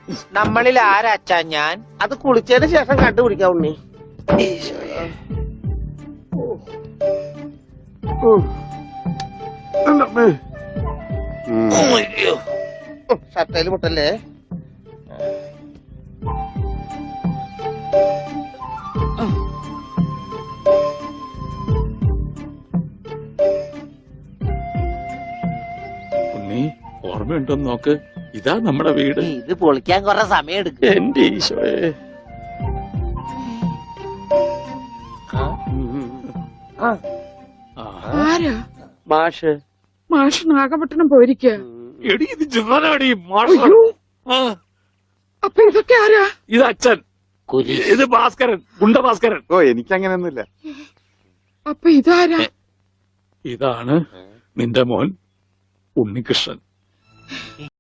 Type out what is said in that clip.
നമ്മളിൽ ആരാച്ചാ ഞാൻ? അത് കുളിച്ചതിന് ശേഷം കണ്ടുപിടിക്കാം ഉണ്ണി. ഷർട്ടയില് മുട്ടല്ലേ? ഉണ്ണി ഓർമ്മയുണ്ടോന്ന് നോക്ക്. ഇതാ നമ്മുടെ വീട്. ഇത് പൊളിക്കാൻ കുറെ സമയം എടുക്കും. എന്റെ ഈശോയെ. ആരാ? മാഷ്. മാഷ് നാഗപട്ടണം പോയിരിക്കുക. എടി ഇത് ജാനാടി മാഷ്. അപ്പൊ ഇതൊക്കെ ആരാ? ഇത് അച്ഛൻ. ഇത് ഭാസ്കരൻ, ഗുണ്ട ഭാസ്കരൻ. ഓ എനിക്കങ്ങനെയൊന്നുമില്ല. അപ്പൊ ഇതാരാ? ഇതാണ് നിന്റെ മോൻ ഉണ്ണികൃഷ്ണൻ.